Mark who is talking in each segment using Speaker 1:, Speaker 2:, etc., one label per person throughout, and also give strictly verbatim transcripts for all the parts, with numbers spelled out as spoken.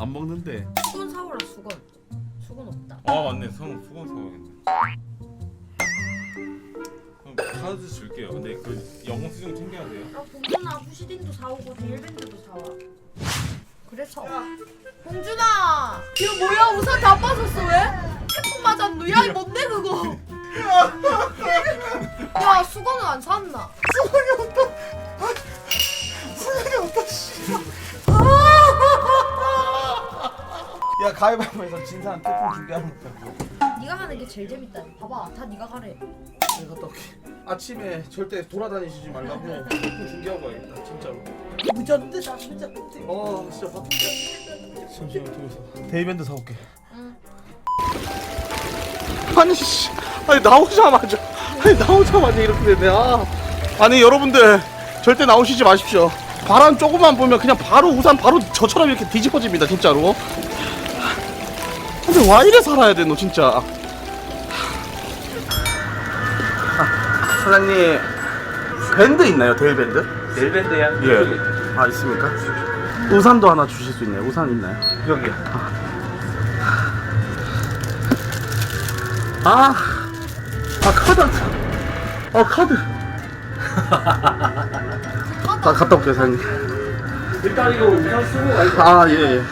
Speaker 1: 안 먹는데.
Speaker 2: 수건 사오라 수건. 수건 없다.
Speaker 3: 아 맞네. 성 수건 사와야겠네. 그럼 카드 줄게요. 근데 그 영수증 챙겨야 돼요.
Speaker 2: 아 봉준아 후시딘도 사오고 데일밴드도 사와. 그래서 봉준아 이거 뭐야 우산 다 빠졌어 왜? 태풍 맞았노? 야 이거 뭔데 그거? 야 수건은 안 샀나?
Speaker 1: 수건이 없다. 수건이 없다. 씨. 야 가위바위보에서 진 사람 태풍 준비하는 거야.
Speaker 2: 네가 하는 게 제일 재밌다. 봐봐 다 네가 가래.
Speaker 1: 내가 갔다 올게. 아침에 절대 돌아다니시지 말라고 태풍 준비하고 와야겠다. 진짜로. 무전데 나 진짜. 어 진짜 바쁜데. 잠시만 두고서. 데이밴드 사올게.
Speaker 2: 응.
Speaker 1: 아니 씨, 아니 나오자마자, 아니 나오자마자 이렇게 되네. 아, 아니 여러분들 절대 나오시지 마십시오. 바람 조금만 보면 그냥 바로 우산 바로 저처럼 이렇게 뒤집어집니다 진짜로. 근데 와 이래 살아야 돼 너 진짜. 아, 사장님 밴드 있나요? 데일 밴드?
Speaker 4: 데일 밴드야?
Speaker 1: 예. 아 있습니까? 우산도 하나 주실 수 있나요? 우산 있나요?
Speaker 4: 여기요.
Speaker 1: 아, 아 카드, 아 카드. 아 갔다 올게요 사장님.
Speaker 4: 일단 이거 우산 쓰고 가야지.
Speaker 1: 아 예. 예.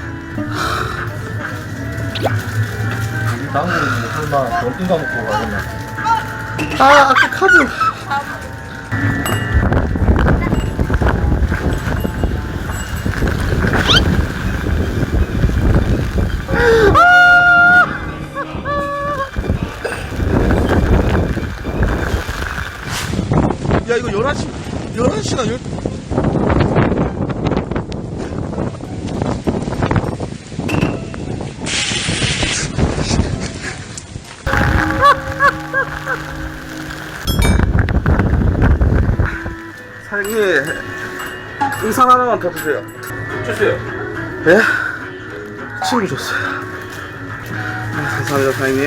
Speaker 4: 나는 설마 어딘 가 먹고 가겠나?
Speaker 1: 아 아까 카드. 야 이거 열한 시 열한 시나 열. 사장님 우산 하나만 더 주세요.
Speaker 4: 주세요.
Speaker 1: 예? 친구 줬어요. 아, 감사합니다 사장님.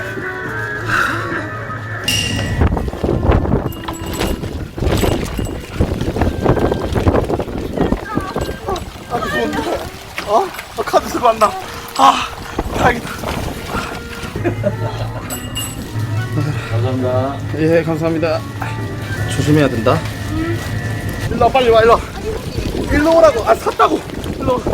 Speaker 1: 아 죄송합니다. 어? 아, 카드 쓰고 왔나? 아 다행이다.
Speaker 4: 감사합니다.
Speaker 1: 예 감사합니다. 조심해야 된다. 일로 와 빨리 와 일로 와. 일로 오라고. 아 샀다고. 일로 와.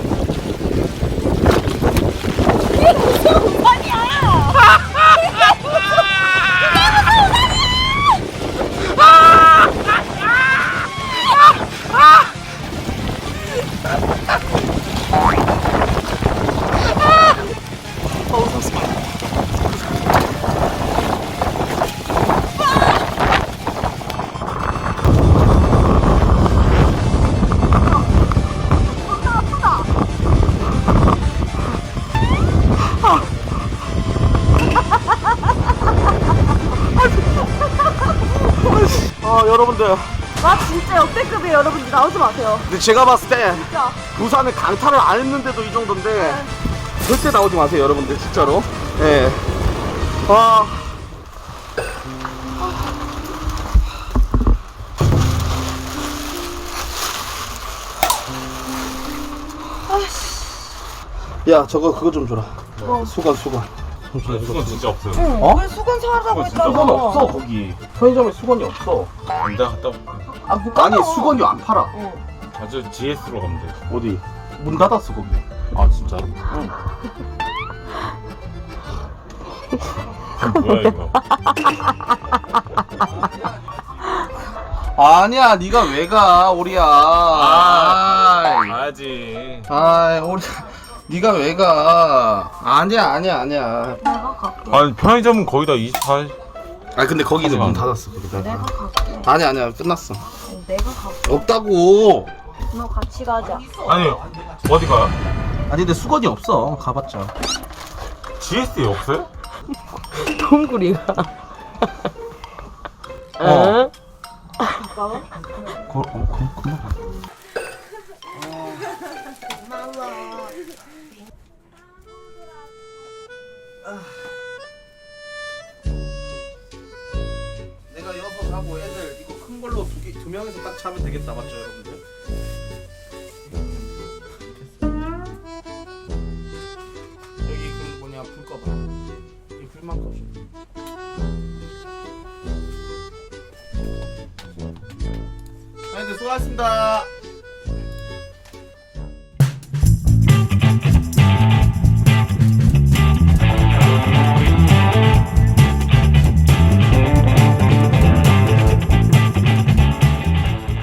Speaker 1: 아 여러분들
Speaker 5: 와 진짜 역대급이에요 여러분들 나오지 마세요
Speaker 1: 근데 제가 봤을 때
Speaker 5: 진짜
Speaker 1: 우산을 강타를 안 했는데도 이 정도인데 절대 나오지 마세요 여러분들 진짜로. 예. 아 야 저거 그거 좀 줘라.
Speaker 5: 뭐?
Speaker 1: 수건 수건.
Speaker 3: 수건 진짜 없어요.
Speaker 5: 응
Speaker 1: 어?
Speaker 5: 왜 수건 사라고
Speaker 3: 진짜
Speaker 5: 했잖아
Speaker 1: 수건 없어 거기. 편의점에 수건이 없어.
Speaker 3: 남자 갔다 올게.
Speaker 5: 아, 못 가봐.
Speaker 1: 아니 수건이 안 팔아.
Speaker 5: 응.
Speaker 3: 자주 지에스로 가면 돼.
Speaker 1: 어디? 문 닫았어 거기.
Speaker 3: 아 진짜로?
Speaker 1: 응.
Speaker 3: 뭐야 이거?
Speaker 1: 아니야 네가 왜 가 오리야.
Speaker 3: 아,
Speaker 1: 아이.
Speaker 3: 가야지.
Speaker 1: 아이 오리 네가 왜 가. 아니야 아니야 아니야.
Speaker 5: 내가 갈게
Speaker 3: 아니 편의점은 거의 다 이십사.
Speaker 1: 아 근데 거기는 문
Speaker 3: 하지마.
Speaker 1: 닫았어 거기다.
Speaker 5: 내가 갈게
Speaker 1: 아니야 아니야 끝났어.
Speaker 5: 내가 갈게
Speaker 1: 없다고.
Speaker 5: 너 같이 가자
Speaker 3: 아니 어디 가요?
Speaker 1: 아니 근데 수건이 없어 가봤자.
Speaker 3: 지에스에 없어요?
Speaker 5: 동굴이가
Speaker 1: 어.
Speaker 5: 오빠가?
Speaker 1: 거, 어, 그, 금방 가. 내가 여섯 하고 애들 이거 큰 걸로 두 개, 두 명에서 딱 차면 되겠다 맞죠 여러분들? 아니, 수고하셨습니다.